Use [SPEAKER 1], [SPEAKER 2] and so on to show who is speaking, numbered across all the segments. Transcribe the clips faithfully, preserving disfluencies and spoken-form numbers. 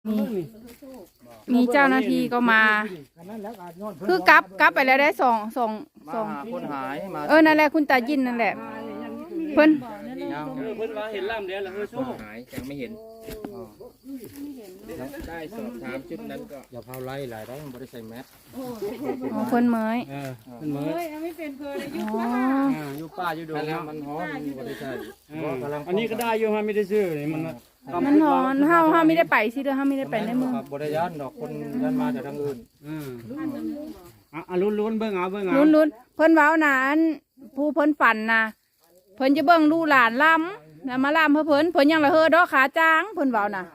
[SPEAKER 1] นี่มีเจ้าหน้าที่ก็มาคือกลับกลับไปแล้วได้สองสองสอง
[SPEAKER 2] คนหายมา
[SPEAKER 1] เออนั่นแหละคุณตายินนั่นแหละเพิ่น
[SPEAKER 3] เพิ่นว่าเห็นล่ำเดียวแล้วเฮ้ยโซ่
[SPEAKER 2] หายยังไม่เห็นได้สอบถามชุดนั้นก็อย่าเผาไล่หลายได้มันบริใส่แมส
[SPEAKER 1] อ๋อเพิ่นเมย
[SPEAKER 3] เออเพิ่นเมย
[SPEAKER 4] ไม่เป็นเพิ่นอยู่
[SPEAKER 1] อ๋อ
[SPEAKER 3] อยู่ป่าอยู่ดง
[SPEAKER 2] แล้วมันฮ้อนบริใส่
[SPEAKER 3] อันนี้ก็ได้อยู่ฮะไม่ได้ซื้อนี่มัน
[SPEAKER 1] มันหอนเฮาเฮาไม่ได้ไปสิเด้อเฮาไม่ได้ไปในเมือง
[SPEAKER 2] บริยานดอกคนยันมาจากทางอื่น
[SPEAKER 3] อืมอ่ะลุ้นๆเบิ่งเอาเบิ่งเอา
[SPEAKER 1] ลุ้นๆเพิ่นเว้าน่ะอันผู้เพิ่นฝันน่ะเพิ่นจะเบิ่งลูกหลานล้ำแล้วมาล้ำเพิ่นเพิ่นเพิ่นยังละเฮอดอกขาจ้างเพิ่นเว้าน่ะ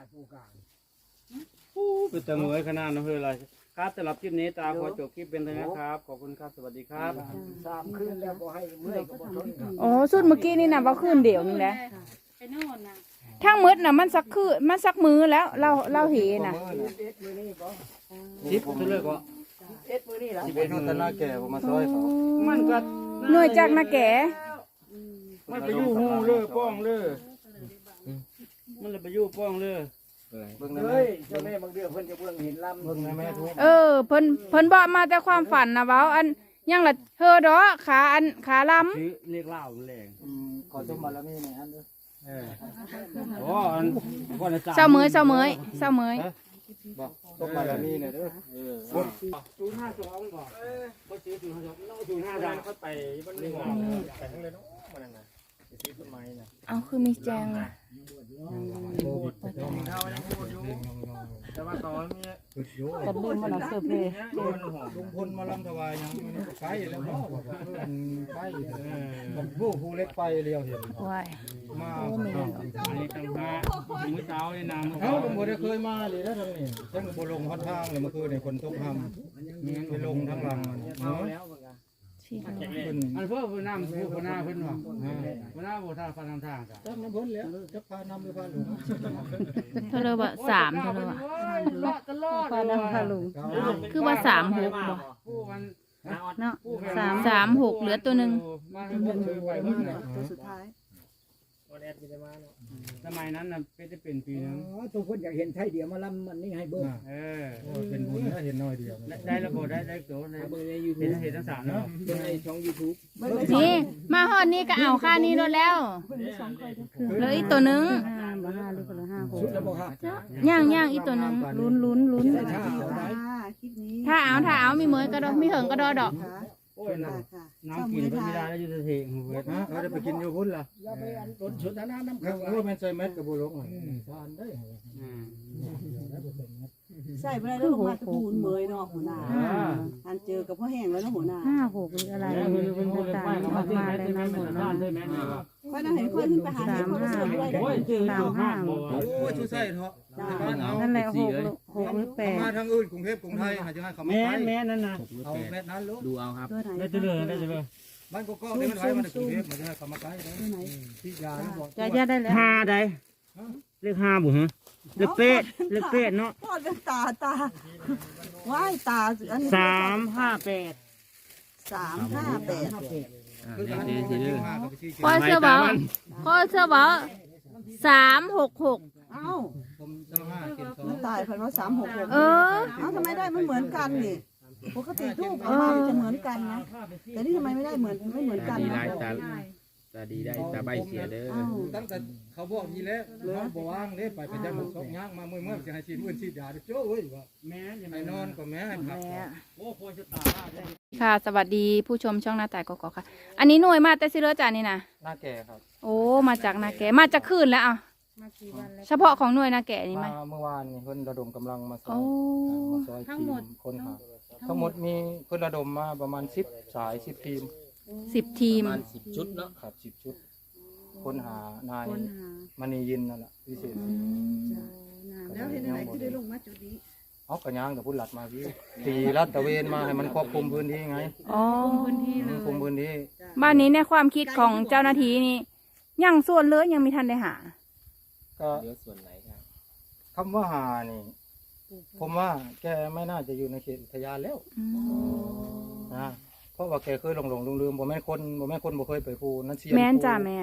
[SPEAKER 3] เป็นตะเมยขนาดนั้นเฮ้ยอะไรครับสำหรับคลิปนี้ตาขอจบคลิปเป็นเท่านี้ครับขอบคุณครับสวัสดีครับ
[SPEAKER 2] สามคืนแล้วบ่ให้เมื่อยก็บ่ทน
[SPEAKER 1] อ๋อสุดเมื่อกี้นี่น่ะว่าคืนเดียวนึงแหละ
[SPEAKER 4] ไปโน่นน่ะ
[SPEAKER 1] ทั้งมืดน่ะมันสักคือมันสักมือแล้วเราเราเห็นน่ะ
[SPEAKER 2] สิบเท่าเลยก็สิบเอ็ดมื้อนี่ล่ะสิบเอ็ดมื้อตะนาแก่บ่มาซอยเขา
[SPEAKER 3] มันก็
[SPEAKER 1] หน่วยจากนาแก่
[SPEAKER 3] มันไปอยู่หูเลยป้องเลยมันเลยไปอยู่ป้องเลย
[SPEAKER 2] เบิ่งเลยเจ้าแม่บางเดือเพิ่นจะเบิ่งเห็นลำเบิ่งแม่ทุก
[SPEAKER 1] เออเพิ่นเพิ่นบอกมาแต่ความฝันนะเว้าอันยังละเธอดอกขาอันขาลำ
[SPEAKER 3] เรียกเล่าแรง
[SPEAKER 2] ขอสมบัติแล้วมีในอันเด้อ
[SPEAKER 3] เออโอ้อันก่อนจะ
[SPEAKER 1] เศร้าเมยเศร้าเมยเศร้าเมย
[SPEAKER 2] บอกสมบัติแล้วมีเนี่ยเด้อเออ
[SPEAKER 3] ศูนย์ห้าสองบอกเออบ่ซื้อศูนย์ห้าสองน้องศูนย์ห้าสามเขาไปมันไม่งอ
[SPEAKER 2] ไปทั้งเลยเนาะมันน่ะสิซื้อต้นไม้น่ะ
[SPEAKER 1] เอาคือมีแจงน่ะ
[SPEAKER 2] แต่ว่าตอนนี้
[SPEAKER 1] กันลืมมันเสิร์ฟเลย
[SPEAKER 2] ลุงพลมาลำถวายยังมันก็ไปแล้วพ่อบอกว่าไปมันผู้ผู้เล็กไปเรียวเห็น
[SPEAKER 1] ว้าย
[SPEAKER 2] มา
[SPEAKER 3] อันนี้ตั้งมามื้อเช้านี่นะมื้อ
[SPEAKER 2] เช้า
[SPEAKER 3] เช้า
[SPEAKER 2] ผมบ่ได้เคยมาเลยนะทางนี้ฉันก็บ่ลงค่อนข้างเลยเมื่อคืนนี่คนตกห้ำงั้นไปลงทางหลังเนาะ
[SPEAKER 3] อันเพิ่นเพิ่นนำผู้คนหน้าเพิ่นว่าคนหน้าบ่ทางฟันทางทางจ้ะ
[SPEAKER 2] จับน้ำพ้นแล้วจับพานำหรือพาหลง
[SPEAKER 1] เท่าเลยว่าสามเท่าเลยว่า
[SPEAKER 3] ตลอด
[SPEAKER 1] พานำพาหลงคือว่าสามหกบ่เนาะสามสามหกเหลือตัวหนึ่ง
[SPEAKER 4] ตัวสุดท้าย
[SPEAKER 3] สมัยนั้นน่ะเป็นจะเป็นปีนึง
[SPEAKER 2] อ๋อทุกคนอยากเห็นไทยเดียวมาลำมันนี่ให้เบิ่งเออเป็นบุญถ้าเห็นน้อยเดียว
[SPEAKER 3] ได้ระบบได้ได้โตในเห็นเห็นทั้งสามเนาะ
[SPEAKER 2] เป็นในช่อง YouTube
[SPEAKER 1] นี่มาฮอดนี่ก็เอาค่านี้รถแล้วเหลืออีกตัวนึงย่างย่างอีกตัวนึงลุ้นลุ้นลุ้นถ้าเอาถ้าเอามีเมยก็ดอกมีเหิงก็ดอดอก
[SPEAKER 3] โอ้ยน้ำน้ำกินก็ไม่ได้แล้วอยู่ในเถียงเว้ย
[SPEAKER 2] นะเราจะไปกินอยู่พุ่นล่ะอย่าไปอันต้นชุดน้ำน้ำขังว่ามันใส่เม็ดกับบุหรี่ทานได้
[SPEAKER 4] ใส่ไปได้แล้วลงมาตะปูนเมยเนาะหัวหน้าอันเจอกับพ่อแห้งแล้วนะหัวหน้า
[SPEAKER 1] ห้าหกหรืออะไรต่างออกมาเลยนะหมดเนาะ
[SPEAKER 4] ค่อยน่าเห็นค่อยขึ้นไปหาที่เขาสวยได้
[SPEAKER 3] โอ้ยเจอสามห้าโ
[SPEAKER 2] อ้ยชูใส่เถอะ
[SPEAKER 1] นั่นแหละหกหกหรือแปด
[SPEAKER 2] มาทางอื่นกรุงเทพกรุงไทยหาจะให้เขาไม่ไป
[SPEAKER 3] แม่แม่นั่นนะ
[SPEAKER 2] เอาแม่นั้นลูก
[SPEAKER 3] ดูเอาครับได้เจริญได้เจริญ
[SPEAKER 2] บ้านก็ก็ได้มันไว้มันกรุงเทพมันจะให้เขามาใกล้ได้ที่ยาบอก
[SPEAKER 1] จะจะได้แล้ว
[SPEAKER 3] ห้าได้เลขห้าบุ๋ฮะเลขเป็ดเลขเป็ดเนาะ
[SPEAKER 4] ทอดเป็นตาตาว่ายตาอันนี้
[SPEAKER 3] สามห้าแปด
[SPEAKER 4] สามห้าแปด
[SPEAKER 1] ข้อเสื้อบ่ข้อเสื้อบ่สามหกหก
[SPEAKER 4] เอ้ามันตายเพราะว่าสามหกหก
[SPEAKER 1] เออ
[SPEAKER 4] เอ้าทำไมได้มันเหมือนกันนี่ปกติทูบออกมาจะเหมือนกันนะแต่นี่ทำไมไม่ได้เหมือนไม่เหมือนกันนะ
[SPEAKER 2] ตาดีได้ตาใบเสียเด้อตั้งแต่เขาบอกทีแล้วเขาบอกว่างเด้ไปไปจับสองย่างมาเมื่อเมื่อจะให้ชีมื่นชีดยาโจ้เว้ยว่าแม่ไอ้นอนก็แม่ให้พักโอ้ควรจะตา
[SPEAKER 1] ค่ะสวัสดีผู้ชมช่องหน้าแต่กอกค่ะอันนี้หน่วยมาแต่ซิเลอร์จานี่นะ
[SPEAKER 2] หน้าแก่ครับ
[SPEAKER 1] โอ้มาจากนาแก่มาจากคืนแล้วอ่ะเฉพาะของหน่วยนาแก่นี่ไหม
[SPEAKER 2] เมื่อวานนี่เพิ่นระดมกำลังมาซอยมาซอยทีมคนหาทั้งหมดมีเพิ่นระดมมาประมาณสิบสายสิบทีม
[SPEAKER 1] สิบทีม
[SPEAKER 2] ประมาณสิบชุดเนาะครับสิบชุดคนหานายมณียินนั่นแหละพิเศษ
[SPEAKER 4] แล้วเห็นอะไรที่ได้ลงมาจุดนี้
[SPEAKER 2] เอากระย่างกับพุ่นหลัดมาพี่ตีรัดตะเวนมาให้มันครอบคลุมพื้นที่ไง
[SPEAKER 1] อ๋อ
[SPEAKER 4] พื้นที่
[SPEAKER 2] คลุมพื้นที่
[SPEAKER 1] บ้านนี้ในความคิดของเจ้าหน้าที่นี่ยังส่วนเลือยังมีทันได้หา
[SPEAKER 2] ก็เลือส่วนไหนครับคำว่าหานี่ผมว่าแกไม่น่าจะอยู่ในเขตอุทยานแล้วนะเพราะว่าแกเคยหลงหลงลืมลืมบ่แม่คนบ่แม่คนบ่เคยไปภูนั่นเสีย
[SPEAKER 1] แม่นจ้าแม่น
[SPEAKER 2] โ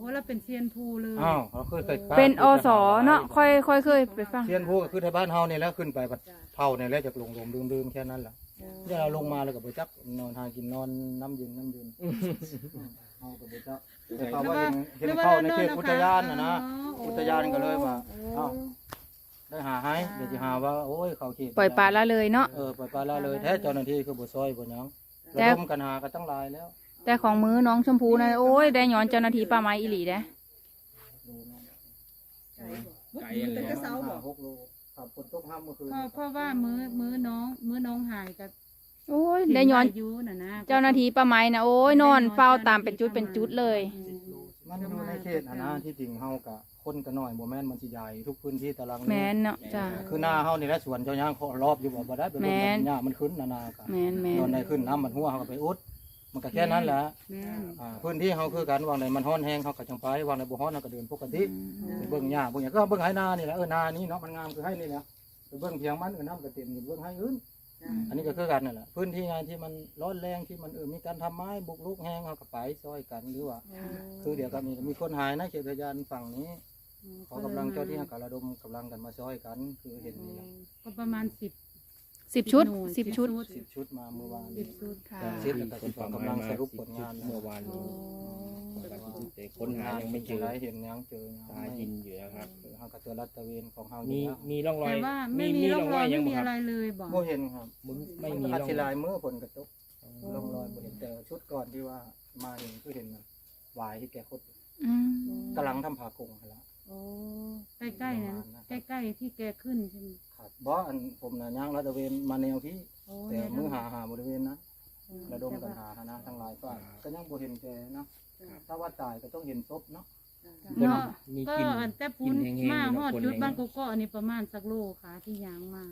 [SPEAKER 5] อ้เราเป็นเซียนภูเลย
[SPEAKER 2] อ้าวเขาเคยเคย
[SPEAKER 1] เป็นอสเนาะค่อยค่อยเคยไปฟัง
[SPEAKER 2] เทียนผู้ก็คือในบ้านเฮานี่แหล้วขึ้นไปบัดเท่านี่แหล้วจากลงลมดื่มๆแค่นั้นแหละอย่าเราลงมาแล้วก็บ่จักนอนหากินนอนน้ำเย็นน้ำเย็นเฮาก็บ่จักแต่เขาว่าเห็นเห็นเข้าในเขตอุทยานน่ะนะอุทยานก็เลยว่าเอ้าได้หาให้เดี๋ยวสิหาว่าโอ้ยเขาเขต
[SPEAKER 1] ปล่อยปลาละเลยเนาะ
[SPEAKER 2] เออปล่อยปลาละเลยแท้เจ้าหน้าที่คือบ่ซอยบ่หยังระดมกันหากันตั้งหลายแล้ว
[SPEAKER 1] แต่ของมือน้องชมพูนะโอ้ยได้ย้อนเจ้าหน้าที่ป่าไม้อีหลีเด้
[SPEAKER 2] ดูนะ
[SPEAKER 3] ไก่อะไร
[SPEAKER 4] เป็นกระเซาบ่
[SPEAKER 2] หกโลครับฝนตกห้ามเมื่อคืน
[SPEAKER 5] เพราะเพราะว่ามื้อมื้อน้องมื้อน้องหายกับ
[SPEAKER 1] โอ้ยได้ย้อน
[SPEAKER 5] อายุน่ะนะ
[SPEAKER 1] เจ้าหน้าที่ป่าไม้นะโอ้ยนอนเฝ้าตามเป็นจุดเป็นจุดเลย
[SPEAKER 2] มันอยู่ในเขตอะนะที่จริงเฮากะคนก็น้อยบ่แม่นมันสิใหญ่ทุกพื้นที่ตาราง
[SPEAKER 1] แมนเนาะจ้า
[SPEAKER 2] คือหน้าเฮานี่แหละสวนเจ้าย่างเขารอบอยู่บ่บ่ได้ไป
[SPEAKER 1] แม่
[SPEAKER 2] ลง
[SPEAKER 1] น
[SPEAKER 2] หญ้ามันขึ้นนานากะ
[SPEAKER 1] แมนแมน
[SPEAKER 2] ตอนใดขึ้นน้ำมันหัวเฮาก็ไปอุดมันก็แค่นั้นแหละ
[SPEAKER 5] แม่น
[SPEAKER 2] อ่าพื้นที่เฮาคือกันวางใดมันฮ้อนแห้งเฮาก็จังไปวางใดบ่ฮ้อนเฮาก็เดินปกติไปเบิ่งหญ้าเบิ่งหยังก็เบิ่งให้นานี่แหละเออนานี่เนาะมันงามคือให้นี่แหละไปเบิ่งเพียงมันเออน้ำก็เต็มอยู่เบิ่งให้อื่นอันนี้ก็คือกันนั่นแหละพื้นที่งานที่มันร้อนแรงที่มันเออมีการทำไม้บุกรุกแห้งเฮาก็ไปซอยกันหรือว่า คือเดี๋ยวก็มีมีคนหายนะเขตพยานฝั่งนี้เขากำลังเจ้าที่กระดมกำลังกันมาช่วยกัน คือเห็นนี่แหละ
[SPEAKER 5] ก็ประมาณสิบ
[SPEAKER 1] สิบชุดสิบชุด
[SPEAKER 2] สิบชุดมาเมื่อวาน
[SPEAKER 5] สิบชุด
[SPEAKER 1] ค่ะ
[SPEAKER 2] สิบแล้วก็สิบสองกำลังสรุปผลงาน
[SPEAKER 3] เมื่อวานนี้แต่ค้นหายังไม่เจอ
[SPEAKER 2] เห็นยังเจอ
[SPEAKER 3] ตายินอยู่นะครับ
[SPEAKER 2] เฮากับตัวรัตเวนของเฮา
[SPEAKER 3] มี
[SPEAKER 2] นี่
[SPEAKER 3] มีร่องรอย
[SPEAKER 5] แต่ว่าไม่มีร่องรอยไม่มีอะไรเลยบอก
[SPEAKER 2] บ่เห็นครับ
[SPEAKER 3] มึงไม่มี
[SPEAKER 2] อา
[SPEAKER 3] ร่อง
[SPEAKER 2] ทิ
[SPEAKER 3] ร
[SPEAKER 2] ลา
[SPEAKER 3] อย
[SPEAKER 2] ยเมื่อผลกระตกลงรอยบ่เห็นแต่ชุดก่อนที่ว่ามาเห็นคือเห็นหวายที่แกคด
[SPEAKER 1] อืม
[SPEAKER 2] กำลังทำผากงแล้ว
[SPEAKER 5] โอ้ใกล้ๆนั้นใกล้ๆที่แกขึ้นใช่ไหม
[SPEAKER 2] ครับบ่อันผมน่ะย่างรัตเวนมาแนวที่
[SPEAKER 5] โอ้
[SPEAKER 2] แต่
[SPEAKER 5] เนี่ย
[SPEAKER 2] มือหาหาบริเวณนะ ระดม
[SPEAKER 5] แต่
[SPEAKER 2] กัน
[SPEAKER 5] ว่า
[SPEAKER 2] หาคณะทั้งหลายฝ่ายก็ยังบ่เห็นแกเนาะถ้าว่าตายก็ต้องเห็นศพเนาะ
[SPEAKER 5] เนาะ
[SPEAKER 3] มี
[SPEAKER 5] ก็
[SPEAKER 3] กลิ่น
[SPEAKER 5] อันแต่ปู
[SPEAKER 3] กิ
[SPEAKER 5] น
[SPEAKER 3] นแห้งๆ
[SPEAKER 5] มา
[SPEAKER 3] อยู่
[SPEAKER 5] ฮอด
[SPEAKER 3] เนาะ
[SPEAKER 5] จุด
[SPEAKER 3] คน
[SPEAKER 5] บ้าน
[SPEAKER 3] แห้ง
[SPEAKER 5] กกอกอันนี้ประมาณสักโลค่ะที่ยางมา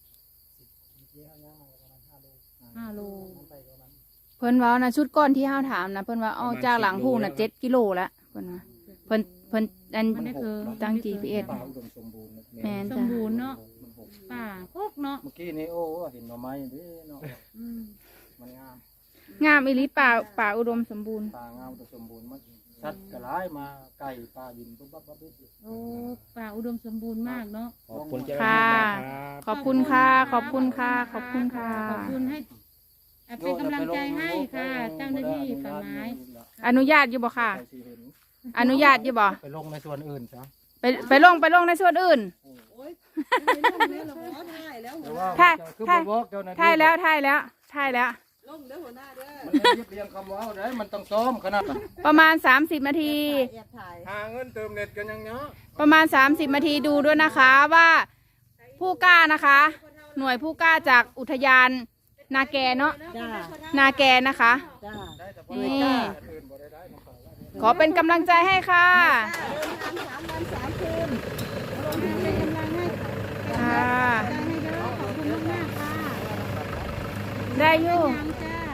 [SPEAKER 5] ห้าโล
[SPEAKER 1] เพิ่นว่านะชุดก้อนที่ห้าถามนะเพิ่นว่าเอาจากหลังผู้น่ะเจ็ดกิโลละเพิ่นว่าเพิ่นเพิ่นอัน
[SPEAKER 5] มันได้คือ
[SPEAKER 1] ตั้ง จี พี เอส
[SPEAKER 2] ป่าอุดมสมบูรณ์นะ
[SPEAKER 1] แม่น
[SPEAKER 5] สม
[SPEAKER 1] จ้ะ
[SPEAKER 5] บูรณ์เนาะ
[SPEAKER 2] มันหก
[SPEAKER 5] ป่าพกเนาะ
[SPEAKER 2] เมื่อกี้นี่โอ้เห็นหน่อไม้เด้เนาะ
[SPEAKER 5] อืม
[SPEAKER 2] มันงาม
[SPEAKER 1] งามอีหลีป่าป่าอุดมสมบูรณ์
[SPEAKER 2] ป่างามอุดมสมบูรณ์มันชัดกระไรมาไก่ป่าบินปุ๊บปั๊บปั๊บปุ๊บ
[SPEAKER 5] โอ้ป่าอุดมสมบูรณ์มากเนาะ
[SPEAKER 3] ขอบคุณเจ้าหน้า
[SPEAKER 1] ค่ะ
[SPEAKER 3] ที่นะครับ
[SPEAKER 1] ขอบคุณค่ะ ขอบคุณค่ะ ขอบคุณค่ะ
[SPEAKER 5] ขอบคุณให้เอ่อเป็นกำลังใจให้ค่ะ เจ้าหน้าที่ป่าไม้
[SPEAKER 1] อนุญาตอยู่บ่ค่ะ
[SPEAKER 2] ใครสิเห็น
[SPEAKER 1] อนุญาตอยู่บ่
[SPEAKER 2] ไปลงในส่วนอื่นซะ
[SPEAKER 1] ไปไปลงไปลงในส่วนอื่น
[SPEAKER 4] โอ้ยไม่ลงเนี่ยเราขอถ่ายแล้ว
[SPEAKER 2] แต่ว่า
[SPEAKER 1] ถ่าย
[SPEAKER 2] คือ
[SPEAKER 1] ถ่าย
[SPEAKER 2] บ่บอกเจ้าหน้าที่
[SPEAKER 1] ถ่ายแล้วถ่ายแล้วถ่ายแล้ว
[SPEAKER 4] ลงเด้อหัวหน้าเด้อ
[SPEAKER 2] มันเรียบเรียงคำเว้าได้มันต้องซ้อมขนาดนั้น
[SPEAKER 1] ประมาณสามสิบนาที
[SPEAKER 4] แอบถ่าย
[SPEAKER 2] หาเงินเติมเน็ตกันยังเนาะ
[SPEAKER 1] ประมาณสามสิบนาทีดูด้วยนะคะว่าผู้กล้านะคะ หน่วยผู้กล้าจากอุทยานนาแกเนาะ
[SPEAKER 4] จ้า
[SPEAKER 1] นาแกนะคะ
[SPEAKER 4] จ้า
[SPEAKER 2] ได้แต่พอ
[SPEAKER 1] นี่
[SPEAKER 2] ได้กล้าอันอื่นบ่ได้ได้มาขอว่า
[SPEAKER 1] ขอเป็นกำลังใจให้ค่ะ
[SPEAKER 4] เดินทางสามวันสามคืน
[SPEAKER 5] เป็นกำลังให้
[SPEAKER 1] ค่ะ
[SPEAKER 5] ใจให้เด้อขอบคุณมากๆค่ะ
[SPEAKER 1] ได้อยู่
[SPEAKER 5] ยังจ้า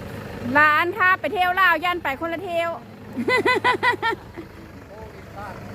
[SPEAKER 1] ร้านค่ะไปเที่ยวลาวย่านไปคนละเที่ยว
[SPEAKER 2] โควิดบ้าน